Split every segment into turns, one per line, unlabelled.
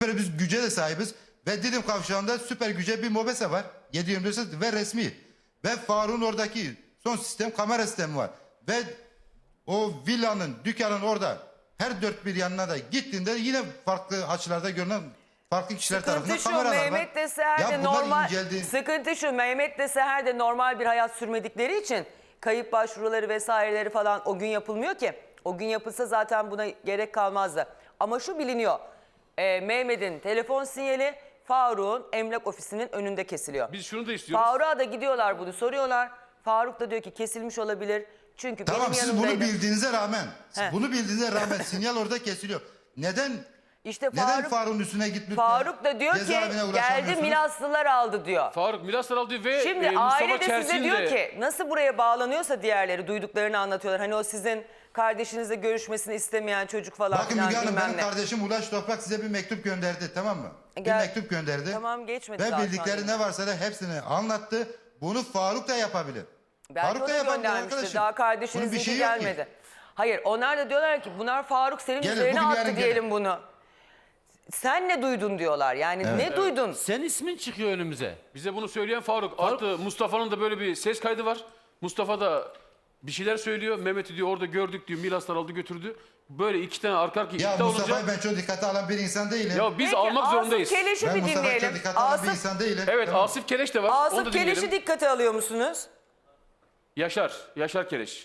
Böyle biz güce de sahibiz. Ve Didim Kavşağı'nda süper güce bir mobese var. 7/24 ve resmi. Ve Faruk'un oradaki son sistem kamera sistemi var. Ve o villanın, dükkanın orada her dört bir yanına da gittiğinde yine farklı açılarda görünen farklı kişiler tarafından
Sıkıntı şu,
kameralar var.
Mehmet de Seher
Ya
de
bunlar
normal,
inceldi.
sıkıntı şu, Mehmet de Seher de normal bir hayat sürmedikleri için kayıp başvuruları vesaireleri falan o gün yapılmıyor ki. O gün yapılsa zaten buna gerek kalmazdı. Ama şu biliniyor, Mehmet'in telefon sinyali Faruk'un emlak ofisinin önünde kesiliyor.
Biz şunu da istiyoruz.
Faruk'a da gidiyorlar bunu soruyorlar. Faruk da diyor ki kesilmiş olabilir. Çünkü
Tamam,
benim
siz
yanımdaydı.
bunu bildiğinize rağmen,
He.
bunu bildiğinize rağmen sinyal orada kesiliyor. Neden
İşte
neden Faruk'un üstüne gitmiş?
Faruk da diyor ki geldi Milaslılar aldı diyor.
Faruk Milaslar aldı ve
Şimdi
Mustafa
aile de size
Çersin
diyor
de
ki nasıl buraya bağlanıyorsa diğerleri duyduklarını anlatıyorlar. Hani o sizin kardeşinizle görüşmesini istemeyen çocuk falan
Bakın
filan
Müge Hanım,
bilmem
benim
ne.
kardeşim Ulaş Toprak size bir mektup gönderdi, tamam mı? Bir
Gel.
mektup gönderdi.
Tamam, geçmedi
Ve
zaten
bildikleri
yine.
ne varsa da hepsini anlattı. Bunu Faruk da yapabilir.
Belki
Faruk
o
da
da
yapabilir
göndermiştir.
arkadaşım.
Daha
Bunun bir
kardeşinizinki
şeyi yok ki.
gelmedi. Hayır, onlar da diyorlar ki bunlar Faruk senin
Gelin,
üzerine
bugün
attı
yarın
diyelim
gelin.
bunu. Sen ne duydun diyorlar. Yani ne duydun?
Sen ismin çıkıyor önümüze.
bize bunu söyleyen Faruk. Artı Mustafa'nın da böyle bir ses kaydı var. Mustafa da bir şeyler söylüyor. Mehmet'i diyor orada gördük diyor. Milaslar aldı götürdü. Böyle iki tane arka arkaya
Ya
iddia
Mustafa'yı
olunca.
ben çok dikkate alan bir insan değilim.
Ya biz
Peki,
almak zorundayız.
Asif Keleş'i
Ben
bir
Mustafa'yı çok
dinleyelim.
dikkate alan bir insan değilim.
Evet,
Tamam.
Asif Keleş de var. Onu da
Asif Keleş'i
dinleyelim.
dikkate alıyor musunuz?
Yaşar Keleş.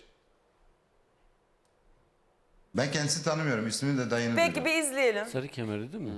Ben kendisini tanımıyorum. İsmini de dayını
Peki
duydum.
bir izleyelim.
Sarı kemerli değil mi?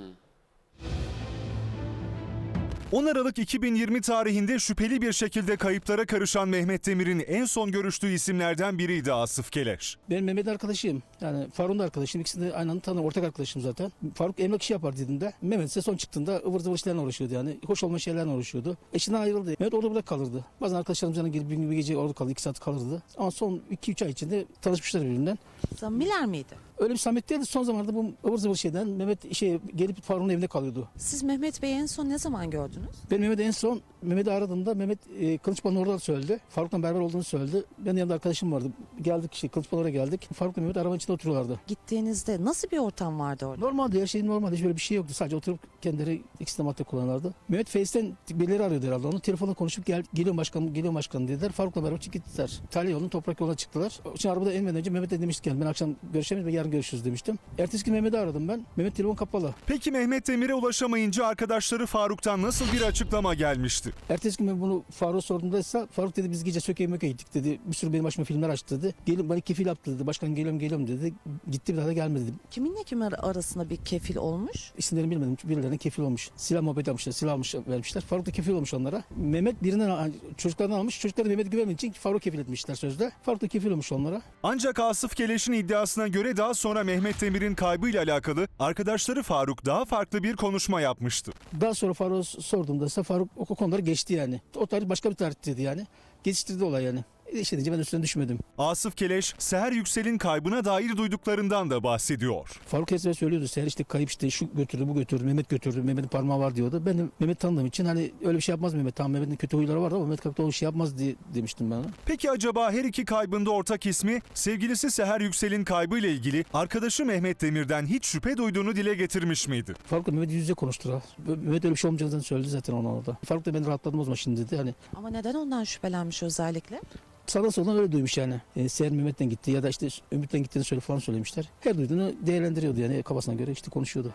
10 Aralık 2020 tarihinde şüpheli bir şekilde kayıplara karışan Mehmet Demir'in en son görüştüğü isimlerden biriydi Asif Keleş.
Ben Mehmet arkadaşıyım. Yani Faruk'un da arkadaşım. İkisini de aynı anda tanırım. Ortak arkadaşım zaten. Faruk emlak işi yapar dediğinde. Mehmet ise son çıktığında ıvır zıvır işlerle uğraşıyordu yani. Hoş olmayan şeylerle uğraşıyordu. Eşinden ayrıldı. Mehmet orada burada kalırdı. Bazen arkadaşlarımız yanına gelip bir gece orada kalırdı. 2 saat kalırdı. Ama son 2-3 ay içinde tanışmışlar birbirinden.
Samimiler miydi?
Öyle bir samimiyet değildi. Son zamanlarda bu ıvır zıvır şeyden Mehmet gelip Faruk'un evinde kalıyordu.
Siz Mehmet Bey'i en son ne zaman gördünüz?
Ben Mehmet'i en son Mehmet'i aradığımda Mehmet Kılıçbaşı'nın orada söyledi. Faruk'la beraber olduğunu söyledi. Benim yanımda arkadaşım vardı. Geldik Kılıçbaşı'na oraya geldik. Faruk'la Mehmet arabanın içinde oturuyorlardı.
Gittiğinizde nasıl bir ortam vardı orada?
Normaldi, her şey normaldi. Hiç böyle bir şey yoktu. Sadece oturup kendileri ikisi de madde kullanırlardı. Mehmet Face'ten birileri arıyordu herhalde. Onu telefonla konuşup geliyorum başkanım dediler. Faruk'la beraber gittiler. İtalya yolunun toprak yoluna çıktılar. Için arabada inmeden önce Mehmet'e demiştik yani ben akşam görüşemeyiz ve yarın görüşürüz demiştim. Ertesi gün Mehmet'i aradım ben. Mehmet telefon kapalı.
Peki Mehmet Demir'e ulaşamayınca arkadaşları Faruk'tan nasıl bir açıklama gelmişti?
Ertesi gün ben bunu Faruk'a sorduğumda ise Faruk dedi biz gece Söke'ye Möke'ye gittik dedi. Bir sürü benim başıma filmler açtı dedi. Gelin bana kefil yaptı dedi. Başkan geliyorum dedi. Gitti bir daha da gelmedi dedi.
Kiminle kim arasında bir kefil olmuş?
İsimlerini bilmedim. Birilerine kefil olmuş. Silah muhabbeti yapmışlar. Silah vermişler. Faruk da kefil olmuş onlara. Mehmet birinden çocuklardan almış. Çocuklar da Mehmet'e güvenmediği için Faruk kefil etmişler sözde. Faruk da kefil olmuş onlara.
Ancak Asif Keleş'in iddiasına göre daha sonra Mehmet Demir'in kaybıyla alakalı arkadaşları Faruk daha farklı bir konuşma yapmıştı.
Daha sonra Faruk'a sorduğumda ise Faruk o konuları geçti yani. O tarih başka bir tarih dedi yani. Geçiştirdi olay yani. İşte deyince ben üstüne düşmedim.
Asif Keleş, Seher Yüksel'in kaybına dair duyduklarından da bahsediyor.
Faruk Esmer söylüyordu. Seher işte kayıp işte şu götürdü bu götürdü. Mehmet götürdü. Mehmet'in parmağı var diyordu. Ben de Mehmet tanıdığım için hani öyle bir şey yapmaz Mehmet. Tamam Mehmet'in kötü huyları vardı ama Mehmet kalkıp öyle bir şey yapmaz diye demiştim ben ona.
Peki acaba her iki kaybında ortak ismi sevgilisi Seher Yüksel'in kaybıyla ilgili arkadaşı Mehmet Demir'den hiç şüphe duyduğunu dile getirmiş miydi?
Faruk'la Mehmet yüz yüze konuştular. Mehmet öyle bir şey olmayacağını söyledi zaten ona orada. Faruk da ben rahatladım o zaman şimdi dedi. Hani
Ama neden ondan şüphelenmiş özellikle?
sağdan soldan öyle duymuş yani. Seher Mehmet'ten gitti ya da işte Ümit'ten gittiğini falan söylemişler. Her duyduğunu değerlendiriyordu yani kafasına göre işte konuşuyordu.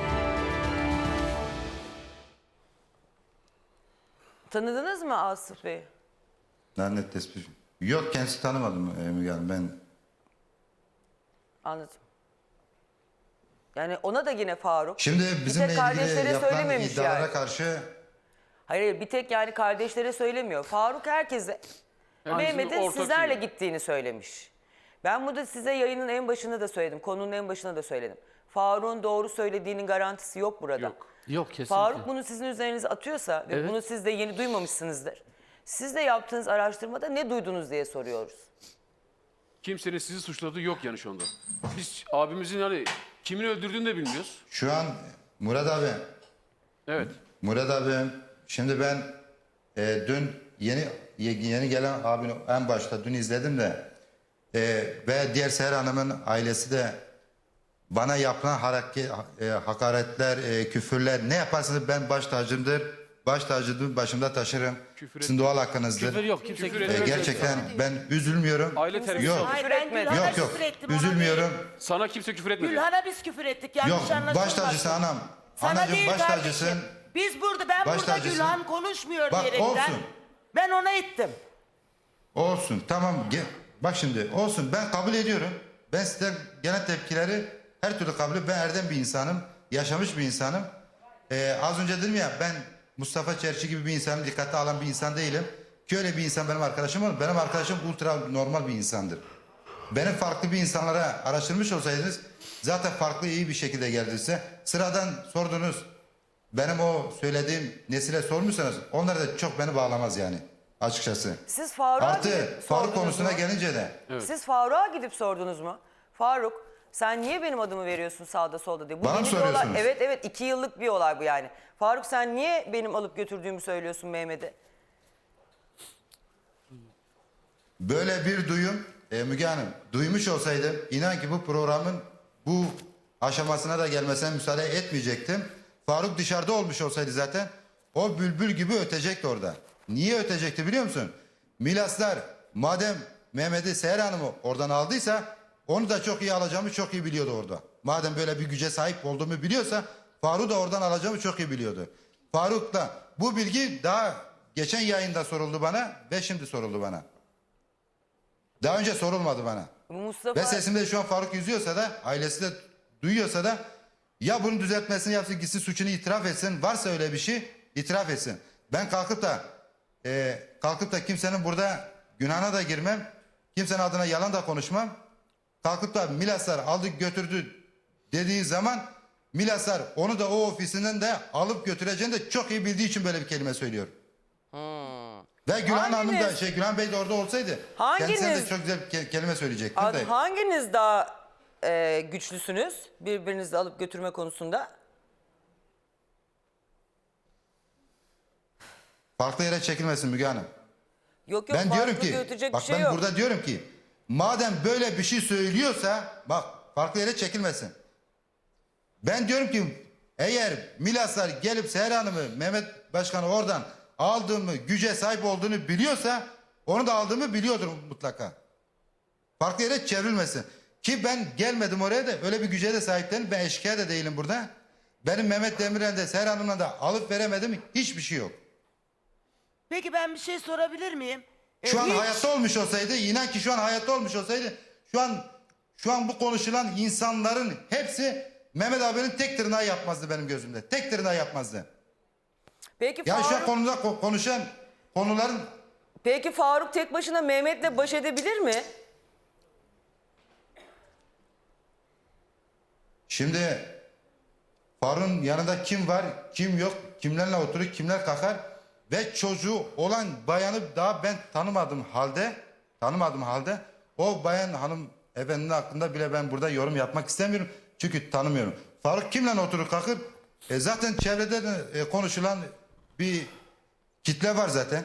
Tanıdınız mı Asif Bey'i?
Net tespit. Yok, kendisi tanımadım Müge Hanım. Ben
Anladım. Yani ona da yine Faruk.
şimdi
Bir
bizimle
tek
ilgili
kardeşlere
yapılan
söylememiş
iddialara
yani.
karşı
Hayır, bir tek yani kardeşlere söylemiyor. Faruk herkese Mehmet'in
ortak
sizlerle
şey.
gittiğini söylemiş. Ben burada size yayının en başında da söyledim. Konunun en başında da söyledim. Faruk'un doğru söylediğinin garantisi yok burada.
Yok.
Yok kesinlikle.
Faruk bunu sizin üzerinize atıyorsa ve
Evet.
bunu siz de yeni duymamışsınızdır. Siz de yaptığınız araştırmada ne duydunuz diye soruyoruz.
Kimsenin sizi suçladığı yok yani şu anda. Biz abimizin hani kimin öldürdüğünü de bilmiyoruz.
şu an Murat
Evet.
abi şimdi ben dün yeni gelen abini en başta dün izledim de ve diğer Seher Hanım'ın ailesi de Bana yapılan hakaretler, küfürler ne yaparsanız ben baş tacımdır. Baş tacımdır, başımda taşırım.
Küfür
Sizin doğal hakkınızdır.
Küfür yok. Kimse
Küfür
küfür
etmez.
Gerçekten ben üzülmüyorum.
Aile terbiyesi
Yok.
olmuş.
Hayır ben
etmedi.
Gülhan'a
Yok yok.
küfür ettim. ona
Üzülmüyorum.
Sana kimse küfür etmedi.
Gülhan'a biz küfür ettik.
Yok
Yanlış anlaşılmasın.
baş tacısı anam.
Sana
Anacığım
değil
baş
kardeşim.
tacısın.
Ben
Baş
burada
tacısın.
Gülhan konuşmuyor
Bak,
diyerekten.
olsun.
Ben ona ettim.
Olsun tamam. Bak şimdi olsun ben kabul ediyorum. Ben sizden gelen tepkileri her türlü kabul ediyorum. Ben erdem bir insanım. Yaşamış bir insanım. Az önce dedim ya ben Mustafa Çerçi gibi bir insanım. Dikkate alan bir insan değilim. Ki öyle bir insan benim arkadaşım olur. Benim arkadaşım ultra normal bir insandır. Benim farklı bir insanlara araştırmış olsaydınız zaten farklı iyi bir şekilde geldiyse sıradan sordunuz. Benim o söylediğim nesile sormuşsanız onlar da çok beni bağlamaz yani açıkçası.
Siz Faruk'a
Artı
gidip
Faruk
sordunuz
konusuna
mu?
gelince de
Siz Faruk'a gidip sordunuz mu? Faruk sen niye benim adımı veriyorsun sağda solda diye. Bu
Bana mı
yeni bir olay.
soruyorsunuz?
Evet 2 yıllık bir olay bu yani. Faruk sen niye benim alıp götürdüğümü söylüyorsun Mehmet'e?
böyle bir duyum Müge Hanım duymuş olsaydım inan ki bu programın bu aşamasına da gelmesine müsaade etmeyecektim. Faruk dışarıda olmuş olsaydı zaten o bülbül gibi ötecekti orada. Niye ötecekti biliyor musun? Milaslar madem Mehmet'i Seher Hanım'ı oradan aldıysa onu da çok iyi alacağımı çok iyi biliyordu orada. Madem böyle bir güce sahip olduğumu biliyorsa Faruk'u da oradan alacağımı çok iyi biliyordu. Faruk'la bu bilgi daha geçen yayında soruldu bana ve şimdi soruldu bana. Daha önce sorulmadı bana.
Mustafa
Ve sesimde şu an Faruk yüzüyorsa da ailesi de duyuyorsa da ya bunun düzeltmesini yapsın gitsin suçunu itiraf etsin. Varsa öyle bir şey itiraf etsin. Ben kalkıp da kimsenin burada günahına da girmem. Kimsenin adına yalan da konuşmam. Kalkıp da Milaslar aldı götürdü dediği zaman Milaslar onu da o ofisinden de alıp götüreceğini de çok iyi bildiği için böyle bir kelime söylüyor. Ve Gülhan Hanım da
Hanginiz-
Gülhan Bey de orada olsaydı kendisine de çok güzel bir kelime söyleyecektim de.
hanginiz daha güçlüsünüz birbirinizi alıp götürme konusunda?
Farklı yere çekilmesin Müge Hanım.
Yok
Ben diyorum
farklı
ki
götürecek
bak
bir şey
ben
yok.
burada diyorum ki madem böyle bir şey söylüyorsa bak farklı yere çekilmesin. Ben diyorum ki eğer Milaslar gelip Seher Hanım'ı Mehmet Başkan'ı oradan aldığımı güce sahip olduğunu biliyorsa onu da aldığımı biliyordur mutlaka. Farklı yere çevrilmesin. Ki ben gelmedim oraya da öyle bir güce de sahip değilim. Ben eşkıya da değilim burada. Benim Mehmet Demirel'de Seher Hanım'la da alıp veremedim hiçbir şey yok.
Peki ben bir şey sorabilir miyim?
Şu an
Hiç-
hayatta olmuş olsaydı, inan ki şu an hayatta olmuş olsaydı, şu an bu konuşulan insanların hepsi Mehmet abinin tek tırnağı yapmazdı benim gözümde. Tek tırnağı yapmazdı.
Peki
Yani şu an
Faruk,
konuşan konuların
peki Faruk tek başına Mehmet'le baş edebilir mi?
şimdi Faruk'un yanında kim var, kim yok, kimlerle oturur, kimler kalkar ve çocuğu olan bayanı daha ben tanımadığım halde o bayan hanım efendinin hakkında bile ben burada yorum yapmak istemiyorum. Çünkü tanımıyorum. Faruk kimle oturur kalkır? Zaten çevrede de konuşulan bir kitle var zaten.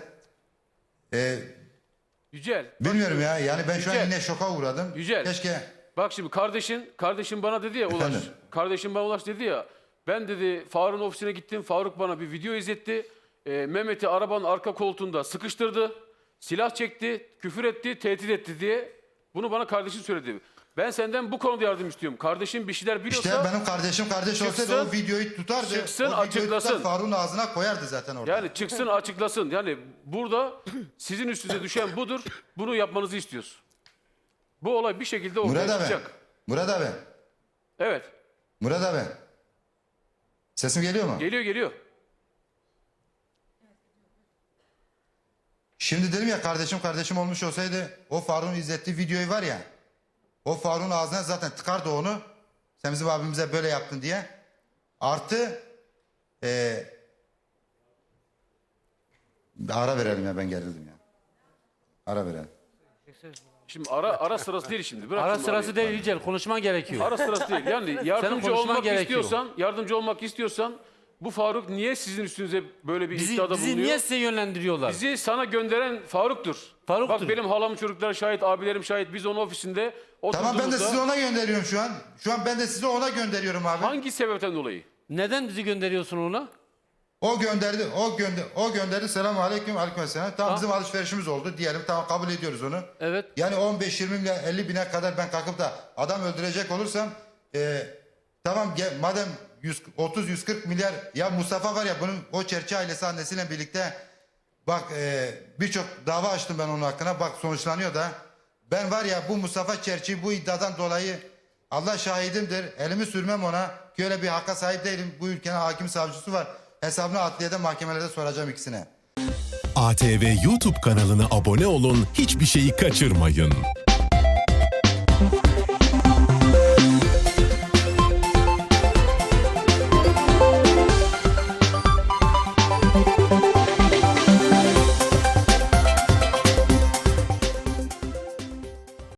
Yücel.
Bilmiyorum ya. Yani ben şu an
Yücel.
yine şoka uğradım.
Yücel.
Keşke
Bak şimdi kardeşin bana dedi ya Ulaş.
Efendim?
Kardeşim bana Ulaş dedi ya. Ben dedi Faruk'un ofisine gittim. Faruk bana bir video izletti. Mehmet'i arabanın arka koltuğunda sıkıştırdı. Silah çekti, küfür etti, tehdit etti diye. Bunu bana kardeşin söyledi. Ben senden bu konuda yardım istiyorum. Kardeşin bir şeyler biliyorsa...
İşte benim kardeşim kardeş olsaydı o videoyu tutardı.
çıksın,
o videoyu
açıklasın.
tutar Faruk'un ağzına koyardı zaten orada.
Yani çıksın açıklasın. Yani burada sizin üstünüze düşen budur. Bunu yapmanızı istiyoruz. Bu olay bir şekilde ortaya
Murat abi.
çıkacak.
Murat abi.
Evet.
Murat abi. Sesim geliyor mu?
Geliyor.
Şimdi dedim ya kardeşim olmuş olsaydı o Faruk'un izlettiği videoyu var ya. O Faruk'un ağzına zaten tıkardı onu. Sen bizim abimize böyle yaptın diye. Artı ara verelim ya ben gerildim ya. Ara verelim.
Şimdi ara sırası değil şimdi. Bırak
Ara
şimdi
sırası
arayı.
değil Yücel. Konuşman gerekiyor.
Ara sırası değil. Yani yardımcı
konuşman
olmak
gerekiyor.
istiyorsan Bu Faruk niye sizin üstünüze böyle bir
Bizi,
iddiada
bizi
bulunuyor?
niye size yönlendiriyorlar?
Bizi sana gönderen Faruk'tur.
Faruk'tur.
Bak benim halamın çocukları şahit, abilerim şahit. Biz onun ofisinde oturduğumuzda...
Tamam ben de sizi ona gönderiyorum şu an. Şu an ben de sizi ona gönderiyorum abi.
Hangi sebepten dolayı?
Neden bizi gönderiyorsun ona?
O gönderdi. Selamun aleyküm, aleykümselam. Tamam bizim alışverişimiz oldu diyelim. Tamam kabul ediyoruz onu.
Evet.
Yani 15-20 milyon 50 bine kadar ben kalkıp da adam öldürecek olursam tamam madem 30-140 milyar ya Mustafa var ya bunun o Çerçi ailesi annesiyle birlikte bak birçok dava açtım ben onun hakkında. Bak sonuçlanıyor da. Ben var ya bu Mustafa Çerçi bu iddiadan dolayı Allah şahidimdir. Elimi sürmem ona. Ki öyle bir hakka sahip değilim. Bu ülkenin hakim savcısı var. Hesabını adliyede mahkemelerde soracağım ikisine.
ATV YouTube kanalına abone olun, hiçbir şeyi kaçırmayın.